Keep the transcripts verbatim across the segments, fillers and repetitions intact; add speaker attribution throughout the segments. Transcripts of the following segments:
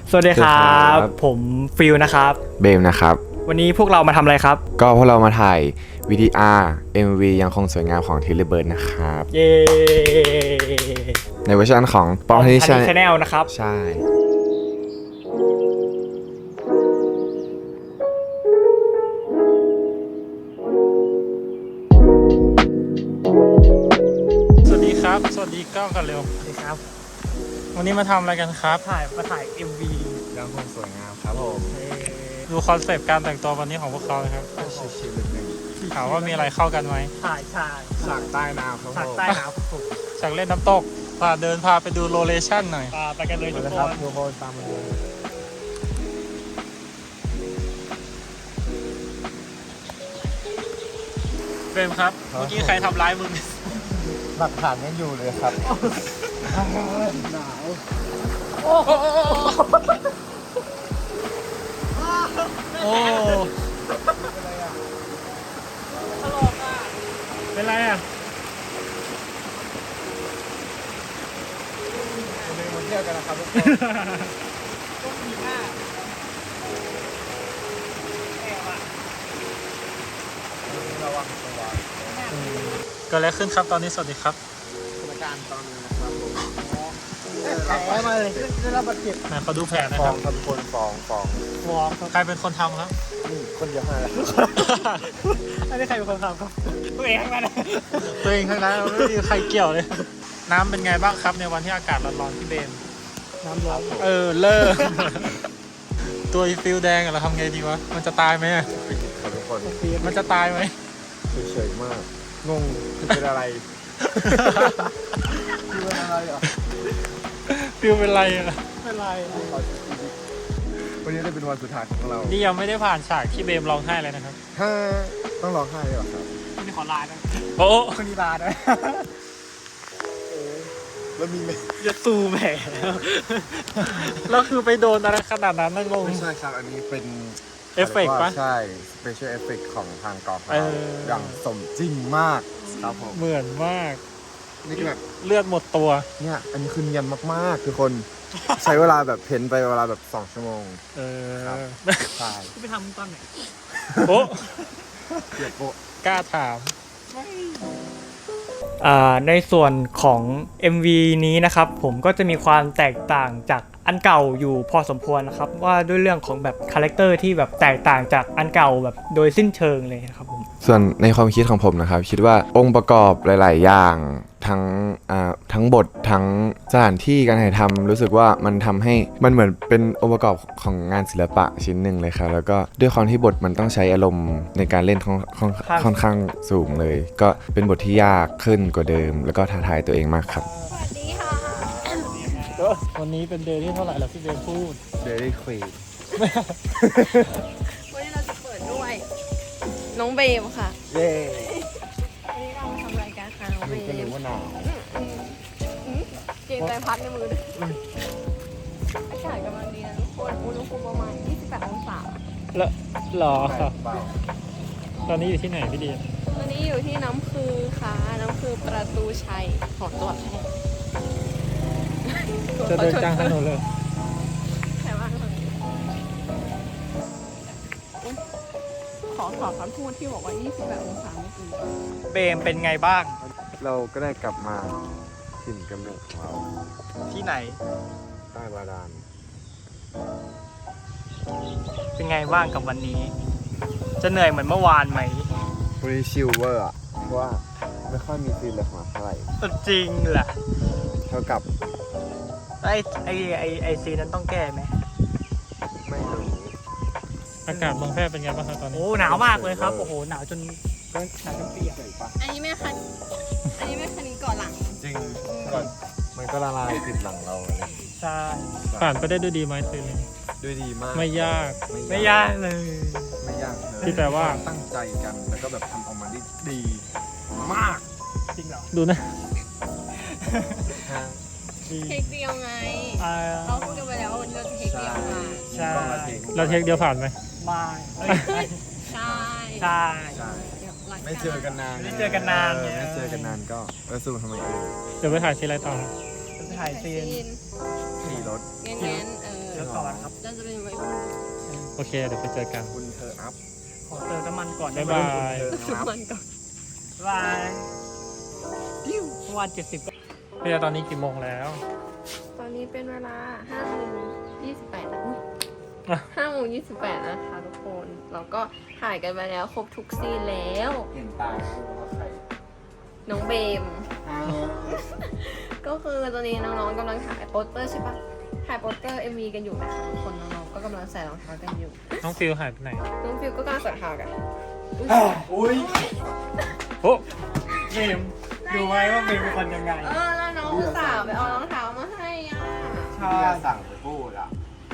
Speaker 1: สวัสดีครับผมฟิลนะครับ
Speaker 2: เบมนะครับ
Speaker 1: วันนี้พวกเรามาทำอะไรครับ
Speaker 2: ก็พวกเรามาถ่าย วี ที อาร์ เอ็ม วี ยังคงสวยงามของทิลเลเบิร์ดนะครับ
Speaker 1: เย้
Speaker 2: ในเวอร์ชันของปอมทันนี่ชา
Speaker 1: แนลนะครับ
Speaker 2: ใช่
Speaker 3: สวัสดีครับสวัสดีก้าวกันเร็ว
Speaker 1: สวัสดีครับ
Speaker 3: วันนี้มาทำอะไรกันครับ
Speaker 1: ถ่ายมาถ่าย เอ็ม วี
Speaker 2: ยังคงสวยงามครับผม
Speaker 3: ดูคอนเซปต์การแต่งตัววันนี้ของพวกเขาเลยครับ
Speaker 2: ชิลๆนึง
Speaker 3: ถามว่ามีอะไรเข้ากันไหม
Speaker 1: ถ่ายฉาก
Speaker 2: ฉากใต้น้ำครับ
Speaker 1: ฉากใต้น้
Speaker 3: ำฉากเล่นน้ำตกพาเดินพาไปดูโลเคชั่นหน่อย
Speaker 1: ไปกันเลยทุกคน
Speaker 2: ทุกคนตามมาเลย
Speaker 3: เบมครับเมื่อกี้ใครทำร้ายมึง
Speaker 2: หลักฐานยังอยู่เลยครับหนาว
Speaker 3: โอ้โอ้เป็นไรอ่ะ
Speaker 2: เป็นมาเที่ยวกันนะครับทุกคน
Speaker 1: ต้องมีหน้าแอบอ่ะ
Speaker 2: ระวังตัว
Speaker 3: เกิดอะไรขึ้นครับตอนนี้สวัสดีครับ
Speaker 2: สถานการณ์ตอนนี้นะครับผม
Speaker 1: แผลมาเลยได้รับบาดเจ็บ
Speaker 3: ไหนเขาดูแผลนะ
Speaker 2: ฟ
Speaker 3: ค
Speaker 2: อ
Speaker 3: รับ
Speaker 2: งครับทุกคนฟองฟอง
Speaker 1: ฟอง
Speaker 3: ใครเป็นคนทำครับ
Speaker 2: นี่คนเดียวให้แล้ว
Speaker 1: อันนี้ใครเป็นคนทำครับตัวเองมาเลย
Speaker 3: ตัวเองทั้งนั้นไม่มีใครเกี่ยวเลยน้ำเป็นไงบ้างครับในวันที่อากาศร้อนๆที่เบน
Speaker 1: น้ำร้อน
Speaker 3: เออเลิกตัวฟิลแดงอะเราทำไงดีวะมันจะตายไหม
Speaker 2: ครับทุกคน
Speaker 3: มันจะตายไหม
Speaker 2: เฉยๆมากงงเป็นอะไรคือเป็นอะไรอ่ะ
Speaker 3: ฟิลเป็นไรอะ
Speaker 1: เป็นไร
Speaker 2: วันนี้ได้เป็นวันสุดท้ายของเรา
Speaker 3: นี่ยังไม่ได้ผ่านฉากที่เบมร้องไห้เลยนะครับ
Speaker 2: ถ้าต้องร้องไห้เลยเหรอครับ
Speaker 1: คนนี้ขอลานะ
Speaker 3: โอ้
Speaker 1: คนนี้ลาด้วย
Speaker 2: แล้วมีไหม
Speaker 1: จะตูแหม
Speaker 3: แล้วคือไปโดนอะไรขนาดนั้นนะงง
Speaker 2: ไม่ใช่ครับอันนี้เป็น
Speaker 3: เอฟเฟกต์ปะ
Speaker 2: ใช่ special effect ของทางกองเราอย่างสมจริงมากครับผม
Speaker 3: เหมือนมาก
Speaker 2: นี่คือแบบ
Speaker 3: เลือดหมดตัว
Speaker 2: เนี่ยอันนี้คือเนียนมากๆคือคนใช้เวลาแบบเพ้นไปเวลาแบบสองชั่วโมง
Speaker 3: เออ
Speaker 2: ใช่
Speaker 1: ไปทำตอนไหน
Speaker 3: โอ้
Speaker 2: เกียดโป
Speaker 3: กล้าถาม
Speaker 1: ในส่วนของ เอ็ม วี นี้นะครับผมก็จะมีความแตกต่างจากอันเก่าอยู่พอสมควรนะครับว่าด้วยเรื่องของแบบคาแรคเตอร์ที่แบบแตกต่างจากอันเก่าแบบโดยสิ้นเชิงเลยนะครับผม
Speaker 2: ส่วนในความคิดของผมนะครับคิดว่าองค์ประกอบหลายๆอย่างทั้งอ่าทั้งบททั้งสถานที่การถ่ายทำรู้สึกว่ามันทำให้มันเหมือนเป็นองค์ประกอบของงานศิลปะชิ้นหนึ่งเลยครับแล้วก็ด้วยความที่บทมันต้องใช้อารมณ์ในการเล่นค่อนค่อนข้างสูงเลยก็เป็นบทที่ยากขึ้นกว่าเดิมแล้วก็ท้าทายตัวเองมากครับ
Speaker 3: วันนี้เป็นเดย์ที่เท่าไหร่แล้วพี่เบมพูด
Speaker 2: เดย์ควีน
Speaker 4: วันนี้เราจะเปิดด้วยน้องเบมค่ะ
Speaker 2: เย้
Speaker 4: วันนี้เรามาทำรายการค่ะน้องเบม
Speaker 2: ก็รู้ว่าหนาว
Speaker 4: เกมใจพัดในมือด้วยอากาศกำลังดีนะทุกคนอุณหภูมิประมาณยี่สิบแปดองศา
Speaker 3: แล้วหรอตอนนี้อยู่ที่ไหนพี่ดี
Speaker 4: ตอนนี้อยู่ที่น้ำคือค่ะน้ำคือประตูชัยของจังหวัดแพร่
Speaker 3: จะเดินกลางถนนเลย
Speaker 4: ใช่ว่าขอขอคำพูดที่บอกว่ายี่สิบแปดองศาเมื่อกี้
Speaker 1: เบมเป็นไงบ้าง
Speaker 2: เราก็ได้กลับมาถิ่นกำเนิดของเรา
Speaker 1: ที่ไหน
Speaker 2: ใต้บาดาล
Speaker 1: เป็นไงบ้างกับวันนี้จะเหนื่อยเหมือนเมื่อวานไหม
Speaker 2: วันนี้ชิลเวอร์อ่ะเพราะว่าไม่ค่อยมีซีนเลยมาเท่าไหร่
Speaker 1: จริงแหละ
Speaker 2: เท่ากับ
Speaker 1: ไอไอไอไอซีนั้นต้องแก้ไหม
Speaker 2: ไม่รู้
Speaker 3: อากาศเมืองแพร่เป็นไงบ้างครับตอนนี้
Speaker 1: โอ้หนาวมากเลยครับโอ้โหหนาวจนหนาวจนเปียก
Speaker 4: อันนี้ไม่คันอันนี้ไม่คันนี้เกาะหลัง
Speaker 2: จริงก่อนมันก็ละลายติดหลังเราอะไร
Speaker 1: ใช่
Speaker 3: ผ่านไปได้ด้วยดีไหมซีน
Speaker 2: ด้วยดีมาก
Speaker 3: ไม่ยาก
Speaker 1: ไม่ยากเลย
Speaker 2: ไม่ยาก
Speaker 3: ที่แต่ว่า
Speaker 2: ตั้งใจกันแล้วก็แบบทำออกมาได้ดีมาก
Speaker 1: จริงเหรอ
Speaker 3: ดูนะ
Speaker 4: เทคเดียวไงเราพูดกันไปแล้วว่าวันนี้เราจะเทคเดียวค่ะ
Speaker 1: ใช่
Speaker 3: เราเทคเดียวผ่านไหม
Speaker 1: ไม่
Speaker 4: ใช่
Speaker 1: ใช่
Speaker 2: ไม่เจอกันนาน
Speaker 1: ไม่เจอกันนาน
Speaker 2: ไม่เจอกันนานก็เออสู้ทำไมเอง
Speaker 3: เดี๋ยวไปถ่ายซีนอะไรต่อ
Speaker 1: ไปถ่ายซีน
Speaker 2: ขี่รถ
Speaker 4: เงี้ยเออ
Speaker 1: เดี๋ยวก่อนครับ
Speaker 4: เราจะเป็นวัยรุ่น
Speaker 3: โอเคเดี๋ยวไปเจอกัน
Speaker 2: คุณเธออัพ
Speaker 1: ขอเติมน้ำมันก่อน
Speaker 3: บ๊ายบาย
Speaker 4: ทุกวันก่อน
Speaker 1: บ๊ายบายปิ้ววันเจ็ดสิบ
Speaker 3: พี่ตอนนี้กี่โมงแล้ว
Speaker 4: ตอนนี้เป็นเวลาห้าโมงยี่สิบแปดนะ
Speaker 3: อ่ะ
Speaker 4: ห้าโมงยี่สิบแปดนะคะทุกคน เราก็ถ่ายกันไปแล้วครบทุกซีนแล้ว
Speaker 2: เห็นตาคุณว่าใคร
Speaker 4: น้องเบม ก็คือตอนนี้น้องๆกำลังถ่ายโปสเตอร์ใช่ปะถ่ายโปสเตอร์ เอ็ม วี กันอยู่นะคะทุกคนน้องๆก็กำลังใส่รองเท้ากันอยู่
Speaker 3: น้องฟิลหายไปไหน
Speaker 4: น้องฟิวก็กำลังใส่รองเท้ากันอุ๊ย
Speaker 1: อุ้ย
Speaker 3: โอ้
Speaker 1: เบมดูไว้ว่าเบมเป็นคนยังไง
Speaker 4: เออแล้วน้องอุตส่าห์ไปเอารองเท้ามาให้อ่ะ
Speaker 1: ใช่
Speaker 2: อย่าสั่งไปพูดอ่ะ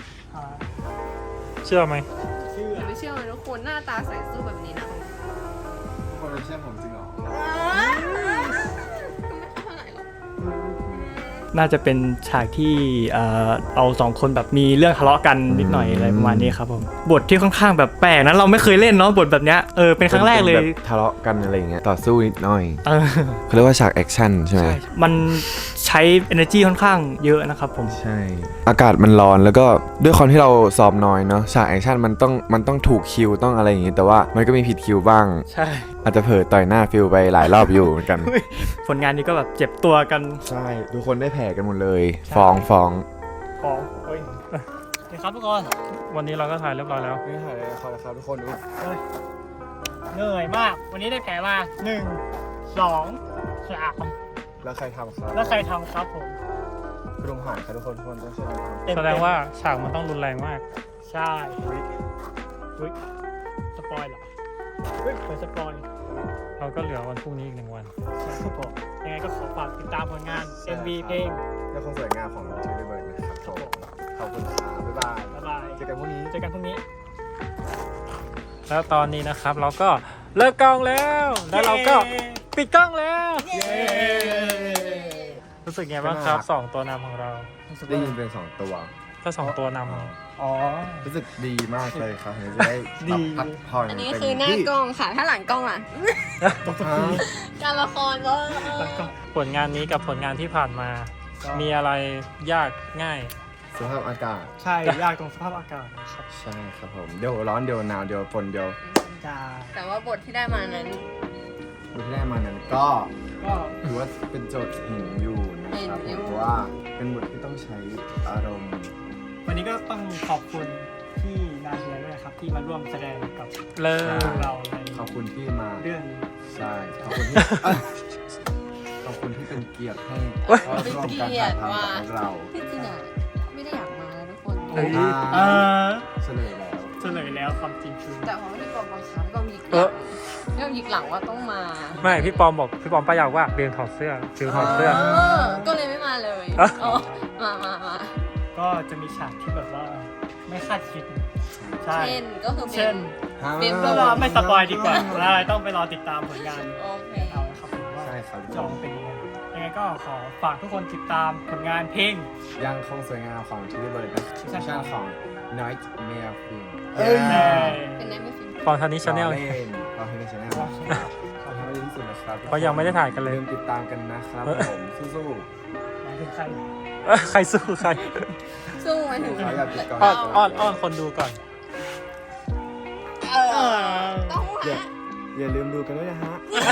Speaker 3: เชื่อไหม
Speaker 1: ชื่อ
Speaker 4: อย่าไปเชื่อเลยทุกคนหน้าตาใส่สู้แบบนี้นะ
Speaker 2: ทุกคนไม่เชื่อผมจริงเหรอ
Speaker 4: ไม่ค่อยเท่าไหร่หรอก
Speaker 1: น่าจะเป็นฉากที่เอ่อเอาสองคนแบบมีเรื่องทะเลาะกันนิดหน่อยอะไรประมาณนี้ครับผมบทที่ค่อนข้างแบบแปลกนะเราไม่เคยเล่นเนาะบทแบบเนี้ยเออเป็นครั้งแรกเลย
Speaker 2: ป็นบบทะเลาะกันอะไรอย่างเงี้ยต่อสู้นิดหน่อย
Speaker 1: เออ
Speaker 2: เขาเรียกว่าฉากแอคชั่นใช่ไหม
Speaker 1: ใช่มันใช้ energy ค่อนข้างเยอะนะครับผม
Speaker 2: ใช่ อากาศมันร้อนแล้วก็ด้วยความที่เราซ้อมน้อยเนาะฉากแอคชั่นมันต้องมันต้องถูกคิวต้องอะไรอย่างงี้แต่ว่ามันก็มีผิดคิวบ้าง
Speaker 1: ใช่
Speaker 2: อาจจะเผลอต่อยหน้าฟิลไปหลายรอบอยู่เหมือนกัน
Speaker 1: ผลงานนี้ก็แบบเจ็บตัวกัน
Speaker 2: ใช่ทุกคนได้แผลกันหมดเลย ฟ้องฟ้อง
Speaker 1: ของโอ้ยเดี๋ยวครับทุกคน
Speaker 3: วันนี้เราก็ถ่ายเรียบร้อยแล้ว
Speaker 2: ไม่ถ่ายเลยครับครับทุกคนดู
Speaker 1: เหนื่อยมาก วันนี้ได้แผลมาหนึ่งสองสาม
Speaker 2: แล้วใครทำครับ
Speaker 1: แล้วใครทำครับผม
Speaker 2: คุณลุงผ่านครับทุกคนทุกคนต้องช่วยกันทำ
Speaker 1: เต็มๆ
Speaker 3: แสดงว่าฉากมันต้องรุนแรงมาก
Speaker 1: ใช่เฮ้ยสปอยเหรอเฮ้ยเปิดสปอย
Speaker 3: เราก็เหลือวันพรุ่งนี้อีกหนึ่งวัน
Speaker 1: ใช่ครับผมยังไงก็ขอฝากติดตามผลงาน เอ็ม วี เพลง
Speaker 2: และความสวยงามของทีวีเบิร์ดนะครับผมขอบคุณครับบ๊ายบาย
Speaker 1: บ๊ายบาย
Speaker 2: เจอกันพรุ่งนี้
Speaker 1: เจอกันพรุ่งนี้
Speaker 3: แล้วตอนนี้นะครับเราก็เลิกกล้องแล้ว แล้วเราก็ปิดกล้องแล้ว
Speaker 1: เย้
Speaker 3: รู้สึกไงบ้างครับสองตัวนำของเรา
Speaker 2: ได้ยินเป็นสองตัว
Speaker 3: ก็สองตัวน
Speaker 1: อ๋อ
Speaker 2: รู้สึกดีมากเลยครับเดี๋ยวจะได้
Speaker 1: ดี
Speaker 2: พักผ่อน
Speaker 4: อันนี้คือหน้ากล้องค่ะ ถ้าหลังกล้องล่ะ การละครก็
Speaker 3: ำผลงานนี้กับผลงานที่ผ่านมา มีอะไรยากง่าย
Speaker 2: สภาพอากาศ
Speaker 1: ใช่ ยากตรงสภาพอากาศนะครับ
Speaker 2: ใช่ครับผมเดี๋ยวร้อนเดี๋ยวหนาวเดี๋ยวฝนเดี๋ยว
Speaker 1: จ้า
Speaker 4: แต่ว่าบทที่ได้มานั้น
Speaker 2: ดูที่ได้มานั้นก็
Speaker 1: ก็
Speaker 2: ถือว่าเป็นโจทย์หินอยู่นะครับ
Speaker 4: เห็นอยู่
Speaker 2: เพราะว่าเป็นบทที่ต้องใช้อารมณ์
Speaker 1: วันนี้ก็ต้องขอบคุณที่นาเฮียด้วยนะครับ ที่มาร่วมแสดงกับ
Speaker 3: เลิ
Speaker 1: พว
Speaker 3: ก
Speaker 1: กเราใน
Speaker 2: ขอบคุณที่มา
Speaker 1: เรื่องนี้
Speaker 2: ใช่ขอบคุณที่ ขอบคุณที่เป็นเกียรติให้
Speaker 4: เป็น
Speaker 2: ร่วม
Speaker 4: เกี
Speaker 2: การ
Speaker 4: ยร
Speaker 2: ถ่าย
Speaker 4: ติ
Speaker 2: ทำ
Speaker 4: ว่า
Speaker 2: กับเรา
Speaker 4: ที่จริงอ่ะไม่ได้อยากมานะทุกคน
Speaker 3: เฮ้ย
Speaker 1: เออ
Speaker 2: เฉลยแล้ว
Speaker 1: เฉลยแล้วความจริงคือ
Speaker 4: แต่พอที่กองบังคับก็มีหลังเรื่องยิกหลังว่าต้องมา
Speaker 3: ไม่พี่ปอมบอกพี่ปอมป้ายาวว่าเรียนถอดเสื้อฟิลถอดเสื้อ
Speaker 4: ก็เลยไม่มาเลย
Speaker 3: เอ้า
Speaker 4: อ๋อมามามา
Speaker 1: ก็จะมีฉากที่แบบว่าไม่คาดคิด ใช่
Speaker 4: เช่นก็คือ
Speaker 1: เช่น
Speaker 4: เบม
Speaker 1: ก็รอไม่สปอยดีกว่าแล้วต้องไปรอติดตามผลงาน
Speaker 4: โอเค
Speaker 1: เอานะครับผมว่า
Speaker 2: ใช่ครับ
Speaker 1: จะออกมาเป็นยังไงยังไงก็ขอฝากทุกคนติดตามผลงานเพลง
Speaker 2: ยังคงสวยงามของทีวีเบิร์ดนะชื่อช่างของ Nightmare Film
Speaker 1: เอ้ย
Speaker 4: เป็นได้ไม่ฟิน
Speaker 3: ปอมทันนี้ชาแนล
Speaker 2: รอเล่นรอให้ในชาแนลขอทำให้ดีที่สุดนะครับ
Speaker 3: เพราะยังไม่ได้ถ่ายกันเลย
Speaker 2: ลืมติดตามกันนะครับผมสู้
Speaker 1: หมายถึงใคร
Speaker 3: ใครสู้ใคร
Speaker 4: สู้มาถึง
Speaker 2: ๆเขาอยากติดก่อน
Speaker 3: อ้อนอ้อนอ้อนคนดูก่อน
Speaker 4: เออต้อง
Speaker 2: อย่า
Speaker 4: หา
Speaker 2: อย่าลืมดูกันด้วยนะฮะ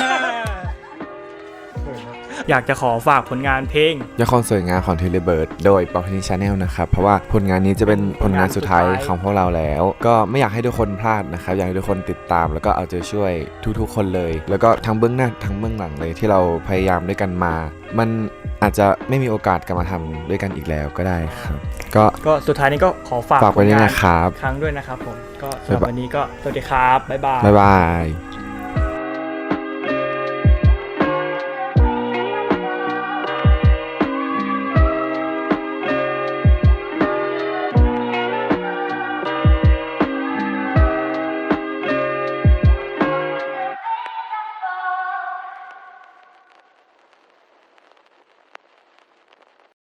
Speaker 2: เขินนะ
Speaker 1: อยากจะขอฝากผลงานเพลง
Speaker 2: ยังคงสวยงามของทีวีเบิร์ดโดยปอพนิชาแนลนะครับเพราะว่าผลงานนี้จะเป็นผลงานสุดท้ายของพวกเราแล้ว ก็ไม่อยากให้ทุกคนพลาดนะครับอยากให้ทุกคนติดตามแล้วก็เอาใจช่วยทุกๆคนเลย แล้วก็ทั้งเบื้องหน้าทั้งเบื้องหลังเลยที่เราพยายามด้วยกันมา มันอาจจะไม่มีโอกาสกลับมาทำด้วยกันอีกแล้วก็ได้ครับ ก็
Speaker 1: ก็สุดท้ายนี้ก็ขอฝาก
Speaker 2: ฝากไว้ด้วย
Speaker 1: ผลง
Speaker 2: นะครับ
Speaker 1: ครั้งด้วยนะครับผม ก็สำหรับวันนี้ก็สวัสดีครับ บ๊ายบาย
Speaker 2: บ๊ายบาย